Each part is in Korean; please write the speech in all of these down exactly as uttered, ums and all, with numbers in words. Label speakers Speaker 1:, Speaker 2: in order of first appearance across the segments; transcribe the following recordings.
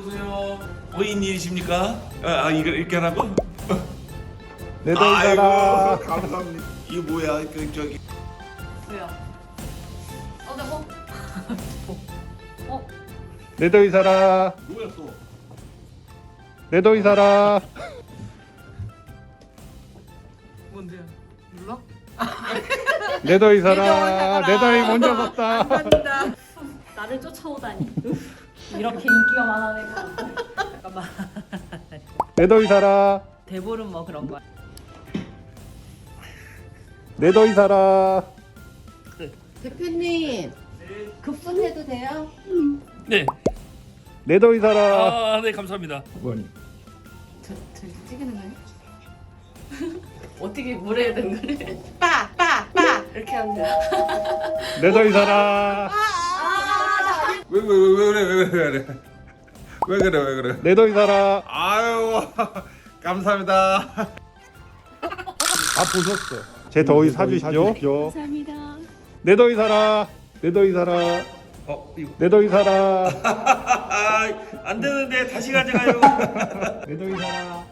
Speaker 1: 오세요. 고인일이십니까? 아, 아 이거 이렇게 하라고?
Speaker 2: 내 돈 사라.
Speaker 1: 아이고, 감사합니다. 이거 뭐야? 그 저기
Speaker 3: 왜요? 어, 나 뭐? 어?
Speaker 2: 내 돈 사라.
Speaker 1: 뭐야 또?
Speaker 2: 내 돈 사라.
Speaker 3: 뭔데요? 눌러?
Speaker 2: 내 돈 사라. 내 돈이 먼저 섰다.
Speaker 3: 감사합니다. 나를 쫓아오다니. 이렇게 인기가 많아 내가. 잠깐만.
Speaker 2: 내 돈 사라.
Speaker 3: 대보름 뭐 그런 거야.
Speaker 2: 내 돈 사라.
Speaker 4: 대표님 급손해도 돼요?
Speaker 1: 네.
Speaker 2: 내 돈 사라.
Speaker 1: 아, 네 감사합니다.
Speaker 2: 뭐니?
Speaker 3: 저, 저 찍는 거예요? 어떻게 뭘 해야 되는 거래?
Speaker 4: 빠! 빠! 빠! 이렇게 하면 돼요.
Speaker 2: 내 돈 사라.
Speaker 1: 왜 왜 왜 그래 왜 그래 왜 그래 왜 그래 왜 그래?
Speaker 2: 내 돈 사라.
Speaker 1: 아유 감사합니다.
Speaker 2: 다 보셨어. 제 더위 사주시죠.
Speaker 4: 감사합니다.
Speaker 2: 내 더위 사라. 내 더위 사라.
Speaker 1: 어 이거
Speaker 2: 내 더위 사라.
Speaker 1: 안 되는데 다시 가져가요.
Speaker 2: 내 더위 사라.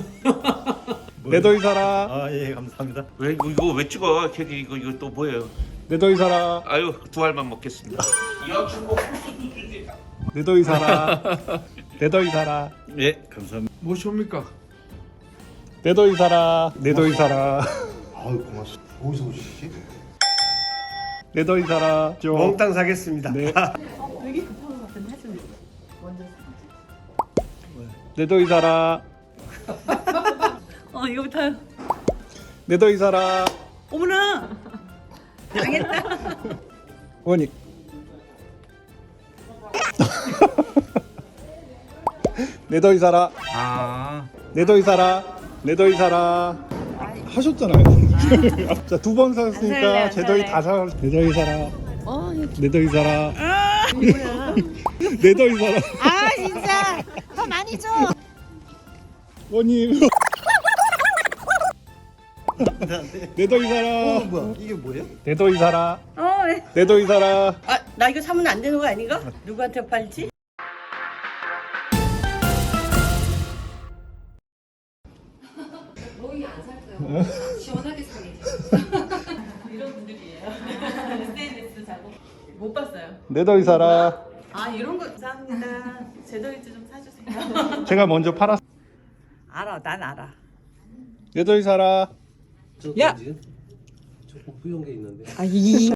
Speaker 2: 내 더위 사라.
Speaker 5: 아 예 감사합니다.
Speaker 1: 왜 이거, 이거 왜 찍어? 걔 이거 이거 또 뭐예요?
Speaker 2: 내 더위 사라.
Speaker 1: 아유 두 알만 먹겠습니다. 여친구
Speaker 2: 내 더위 사라. 내 더위 사라.
Speaker 5: 예 감사합니다.
Speaker 1: 무엇입니까?
Speaker 2: 내 더위 사라. 내 더위 사라.
Speaker 6: 아유 고맙습니다. 어디서 오시지?
Speaker 2: 내 더위 사라. 죠.
Speaker 5: 몽땅 사겠습니다.
Speaker 2: 네.
Speaker 3: 어, 되게 급한 거 같은데 해주면 먼저
Speaker 2: 내 더위 사라.
Speaker 3: 어 이거부터요.
Speaker 2: 내 더위 사라.
Speaker 3: 어머나. 당했다.
Speaker 2: 원이. 내 더위 사라.
Speaker 5: 아
Speaker 2: 내 더위 사라. 내 더위 사라. 하셨잖아요. 자, 두 번 사셨으니까 제 더위 다 사. 내 더위 사라. 내 더위 사라. 내 더위 사라.
Speaker 4: 아 진짜 더 많이 줘.
Speaker 2: 원님. 내 더위 사라.
Speaker 5: 어, 뭐야 이게 뭐예요?
Speaker 2: 내 더위 사라.
Speaker 4: 어, 왜?
Speaker 2: 내 더위 사라.
Speaker 4: 아, 나 이거 사면 안 되는 거 아닌가? 누구한테 팔지?
Speaker 3: 로이 안 살 거예요. 시원하게 사게. 이런 분들이에요. 에스엔에스 자고 못 봤어요.
Speaker 2: 내 더위 사라.
Speaker 3: 아 이런 거 감사합니다. 제 더위즈 좀 사주세요.
Speaker 2: 제가 먼저 팔았.
Speaker 4: 알아, 난 알아.
Speaker 2: 내 더위 사라.
Speaker 4: 야!
Speaker 5: 조금 후용게 있는데.
Speaker 4: 아, 이